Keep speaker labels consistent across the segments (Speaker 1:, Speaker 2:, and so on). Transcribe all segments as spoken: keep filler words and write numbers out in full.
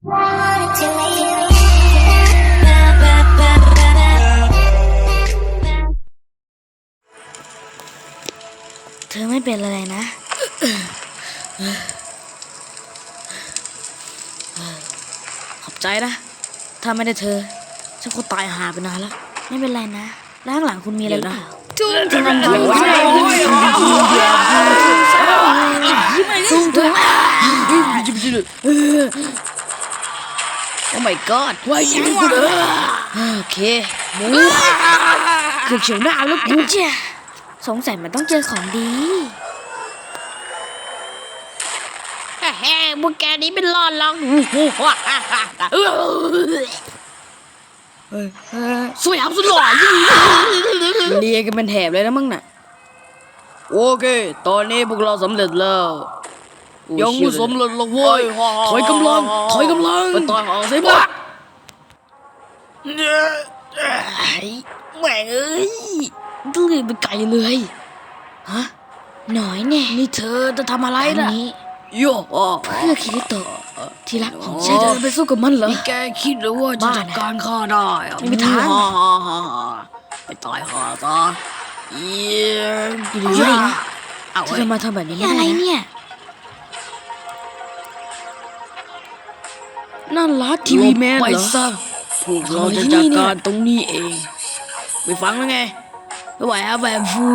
Speaker 1: เธอไม่เป็นอะไรนะขอบใจนะถ้าไม่ได้เธอฉันคงตายหาไปนานแล้วไม่เป็นไรนะแล้วข้างหลังคุณมีอะไรหรือเปล่าจุ้งจุ้งจุ้งจุ้งจุ้งโอ้ my god ว่ายิงกูเลยโอเคหมูคือเฉียวหน้าแล้วกูสงสัยมันต้องเจอของดีแฮ่พวกแกนี้เป็นรอดลองสวยอับสุดหล่อเรียกันเป็นแถบเลยนะมึงน่ะโอเคตอนนี้พวกเราสำเร็จแล้วยังไม่สำเร็จหรอกเว้ยถอยกำลังถอยกำลังไปต่อยหางสิบ้าแม่งเอ้ยต้องเรียนเป็นไก่เลยฮะหน่อยแน่นี่เธอจะทำอะไรล่ะโย่เพื่อคิริโตะที่รักของฉันจะไปสู้กับมันเหรอนี่แกคิดหรือว่าจะจัดการข้าได้ไม่มีทางไปตายข้าซะเยี่ยมดีเลยเธอจะมาทำแบบนี้อะไรเนี่ยนั่นลัดทีวีแมนเหรอพวกเราจะจัดการตรงนี้เองไปฟังแล้วไงไม่ไหวอะแบบฟู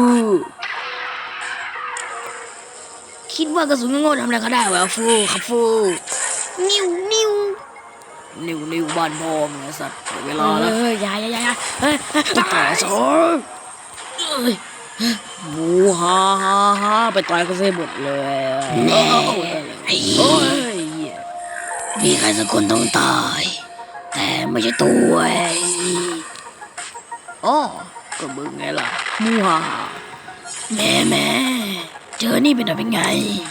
Speaker 1: คิดว่ากระสุนโง่ทำอะไรก็ได้วะฟูครับฟูนิวนิวนิวนิวบ้านพ่อมึงไอ้สัตว์เวลาแล้วเฮ้ยยายยายเฮ้ยจะต่อยซะหมูฮ่าฮ่าฮ่าไปต่อยก็เสียหมดเลยไอ้โอ้ยมีใครสักคนต้องตายแต่ไม่ใช่ตัวอ๋อก็มึงไงล่ะมูฮ่าแม่แม่เจอนี่เป็นอะไรเป็นไง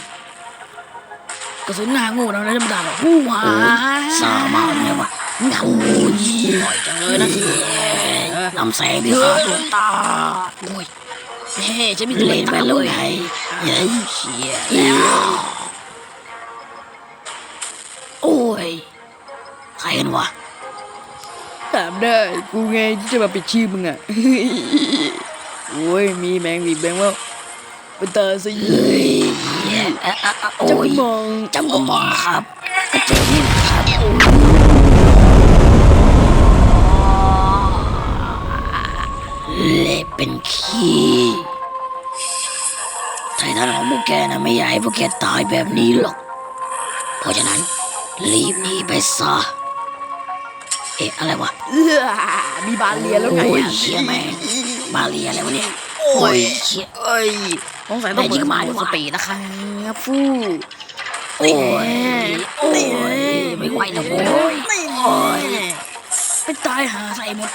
Speaker 1: กระสุนหน้างูเราได้ธรรมดาหรอมูฮ่าสามารถเนี่ยวะเงายี่หน่อยจังเลยนะลำแสงที่ขาดดวงตาโอ้ยเฮ้จะมีเล่นไปเลยไงเฮ้ยเชี่ยโอ้ยใครกันวะถามได้กูไงที่จะมาปิดชื่อมึงอ่ะโอ้ยมีแมงวีแบงว่าเป็นตาสิจำก็มองจำก็มองครับกระจกนี่ครับเละเป็นขี้ไททันของพวกแกนะไม่อยากให้พวกแกตายแบบนี้หรอกเพราะฉะนั้นรีบหนีไปซะเอ๊ะอะไรวะเออมีบาเลียแล้วไงอ่ะเชี่ยแม่บาเลียอะไรวะเนี่ยโอ้ยเชี่ยเอ้ยสงสัยต้องยิงมาสปีดนะครับฟูโอ้ยโอ้ยไม่ไหวแล้วโว้ยโอ้ยไปตายหาใส่หมด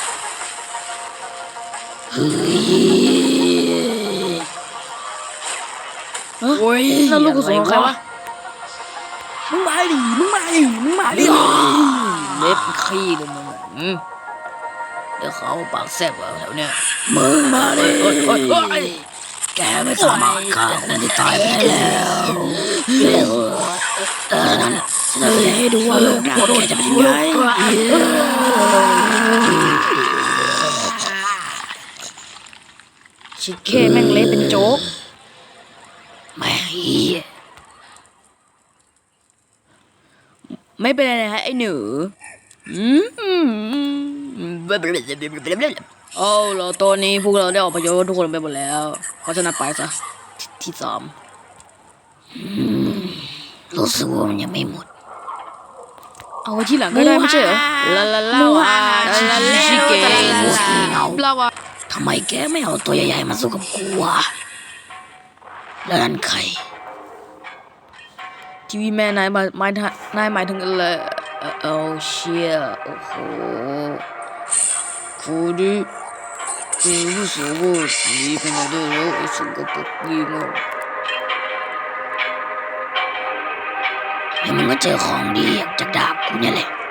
Speaker 1: เฮ้ยโอ้ยแล้วลูกกระสุนใครวะมึงมาดิมึงมาดิมึงมาดิเล็บขี้เลยมึงเดี๋ยวเขาปากแซ่บแถวเนี้ยมึงมาดิแกไม่สามารถฆ่าคนที่ตายไปแล้วเออนั่นฉันจะให้ดูว่าโลกหน้าแกจะเป็นยังไงชิคเก้แม่งเละเป็นโจ๊กแม่ฮีไม่เป็นไรนะฮะไอ้หนูอืมเอาเราตอนนี้พวกเราได้ออกพยพทุกคนไปหมดแล้วเพราะฉะนั้นไปซะที่สามรู้สึกว่ามันยังไม่หมดเอาไว้ที่หลังก็ได้ไม่ใช่เหรอลาลาลาวาชิชิเกะมูสีเงาลาวาทำไมแกไม่เอาตัวใหญ่ๆมาสู้กับกูวะแล้วนั่นใครทีวีแม่นายมาหมายนายหมายถึงอะไรเออเชี่ยโอ้โหคูดิกูรู้สึกว่าดีขนาดนี้แล้วไอ้สกปรกดีมากแล้วมันก็เจอของดีจากดาบกูเนี่ยแหละ